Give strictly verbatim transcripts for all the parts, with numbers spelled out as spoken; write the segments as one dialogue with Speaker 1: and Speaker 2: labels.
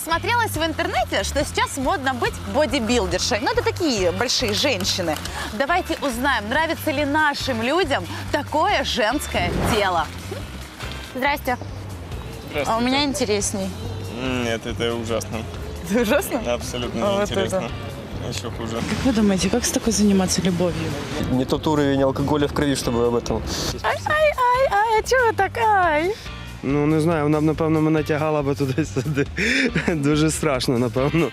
Speaker 1: Насмотрелась в интернете, что сейчас модно быть бодибилдершей. Ну, это такие большие женщины. Давайте узнаем, нравится ли нашим людям такое женское тело. Здрасте.
Speaker 2: Здравствуйте.
Speaker 1: А у меня интересней.
Speaker 2: Нет, это ужасно.
Speaker 1: Это ужасно?
Speaker 2: Абсолютно
Speaker 1: А вот
Speaker 2: неинтересно.
Speaker 1: это.
Speaker 2: Еще хуже.
Speaker 3: Как вы думаете, как с такой заниматься любовью?
Speaker 4: Не тот уровень алкоголя в крові, щоб об этом.
Speaker 1: Ай-ай-ай, а чого так? Ай?
Speaker 5: Ну, не знаю, вона б, напевно, мене тягала би туди-сюди. Дуже страшно, напевно.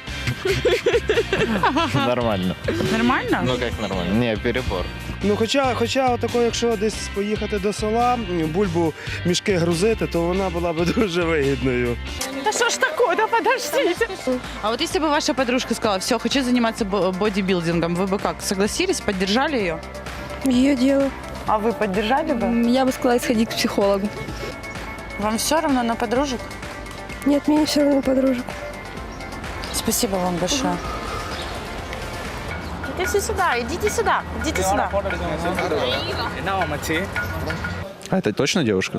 Speaker 6: Нормально.
Speaker 3: Нормально?
Speaker 6: Ну как нормально? Не, перебор.
Speaker 5: Ну, хоча, хоча отако, якщо десь поїхати до села, бульбу мішки грузити, то вона була б дуже вигідною.
Speaker 1: Да что ж такое? Да подождите.
Speaker 3: А вот если бы ваша подружка сказала, все, хочу заниматься бо- бодибилдингом, вы бы как, согласились, поддержали ее?
Speaker 7: Ее дело.
Speaker 1: А вы поддержали бы?
Speaker 7: М, Я бы сказала, сходить к психологу.
Speaker 1: Вам все равно на подружек?
Speaker 7: Нет, мне все равно подружек.
Speaker 1: Спасибо вам большое. Идите сюда, идите сюда, идите сюда.
Speaker 8: А это точно девушка?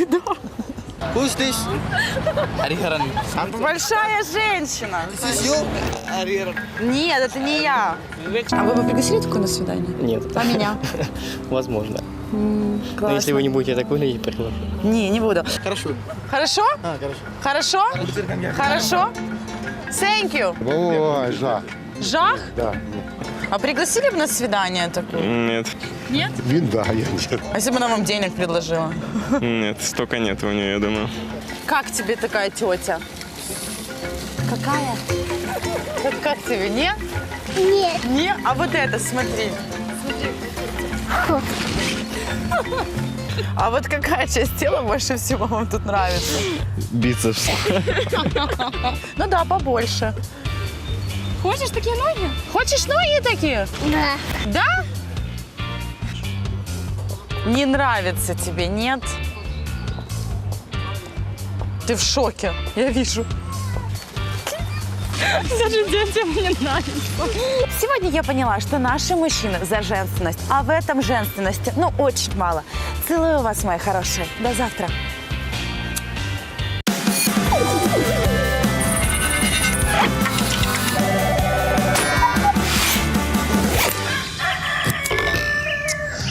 Speaker 1: Большая женщина. Нет, это не я.
Speaker 3: А вы бы пригласили такую на свидание?
Speaker 4: Нет.
Speaker 1: А меня?
Speaker 4: Возможно. Но если вы не будете так выглядеть, приглашу.
Speaker 1: Не, не буду.
Speaker 4: Хорошо.
Speaker 1: Хорошо?
Speaker 4: А, хорошо.
Speaker 1: Хорошо? Хорошо? Thank you.
Speaker 9: Ой, жах.
Speaker 1: Жах?
Speaker 9: Да.
Speaker 1: А пригласили бы на свидание такое?
Speaker 2: Нет,
Speaker 9: Він, да, я нет.
Speaker 1: А если бы она вам денег предложила?
Speaker 2: нет, столько нет у нее, я думаю.
Speaker 1: Как тебе такая тетя? Какая? Как, как тебе, не? Нет. Не? А вот это, смотри. А вот какая часть тела больше всего вам тут нравится?
Speaker 8: Бицепс.
Speaker 1: Ну да, побольше. Хочешь такие ноги? Хочешь ноги такие? Да. Да? Не нравится тебе, нет? Ты в шоке, я вижу. Даже детям не нравится. Сегодня я поняла, что наши мужчины за женственность, а в этом женственности, ну, очень мало. Целую вас, мои хорошие. До завтра.